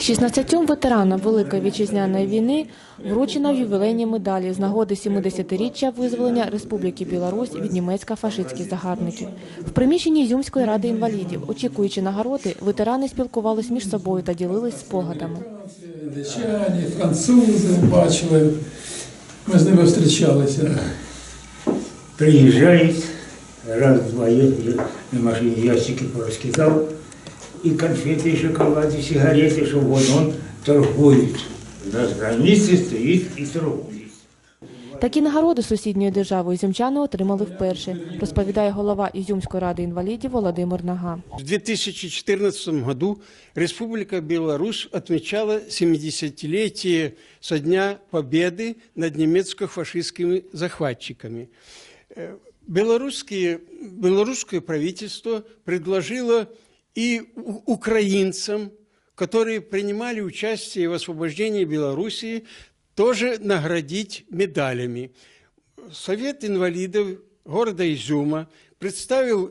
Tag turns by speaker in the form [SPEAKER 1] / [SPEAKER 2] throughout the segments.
[SPEAKER 1] 16 ветеранам Великої Вітчизняної війни вручено ювілейні медалі з нагоди 70-річчя визволення Республіки Білорусь від німецько-фашистських загарбників. В приміщенні Ізюмської ради інвалідів, очікуючи нагороди, ветерани спілкувались між собою та ділились спогадами.
[SPEAKER 2] Датчані, французи бачили, ми з ними зустрічалися.
[SPEAKER 3] Приезжает, раз-два, я на машине ящики пораскидал, и конфеты, и шоколад, и сигареты, что вот он торгует. На границе стоит и торгует.
[SPEAKER 1] Такі нагороди сусідньої держави ізюмчани отримали вперше, розповідає голова Ізюмської ради інвалідів Володимир Нага.
[SPEAKER 4] В 2014 году Республика Беларусь отмечала 70-летие со дня победы над немецко-фашистскими захватчиками. Белорусское правительство предложило и украинцам, которые принимали участие в освобождении Белоруссии, тоже наградить медалями. Совет инвалидов города Изюма представил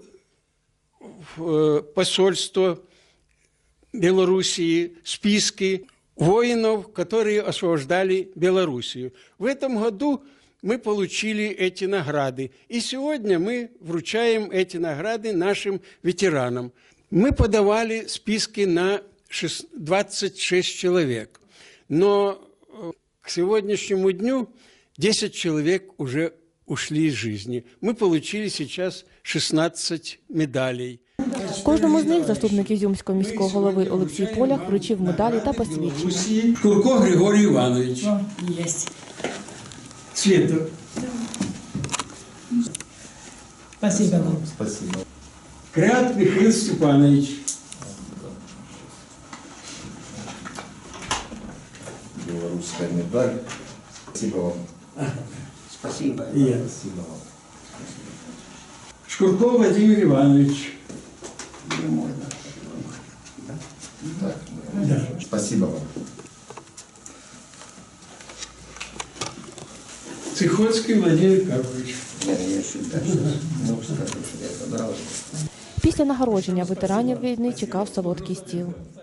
[SPEAKER 4] в посольство Белоруссии списки воинов, которые освобождали Белоруссию. В этом году мы получили эти награды. И сегодня мы вручаем эти награды нашим ветеранам. Мы подавали списки на 26 человек. Но к сегодняшнему дню 10 человек уже ушли из жизни. Мы получили сейчас 16 медалей.
[SPEAKER 1] Кожному з них заступник Ізюмського міського голови Олексій Полях вручив медалі та посвідчення.
[SPEAKER 2] Курко Григорій Іванович.
[SPEAKER 5] Есть.
[SPEAKER 2] Світер.
[SPEAKER 5] Спасибо вам.
[SPEAKER 6] Спасибо.
[SPEAKER 2] Крят Михаил Степанович.
[SPEAKER 6] Белорусская медаль. Спасибо вам.
[SPEAKER 3] Спасибо.
[SPEAKER 6] Спасибо вам.
[SPEAKER 2] Шкурков Владимир Иванович.
[SPEAKER 6] Так,
[SPEAKER 2] Да.
[SPEAKER 6] спасибо вам.
[SPEAKER 2] Цихоцкий Владимир Карпович.
[SPEAKER 6] Ну, скажу, что я это нравится.
[SPEAKER 1] Після нагородження ветеранів війни чекав солодкий стіл.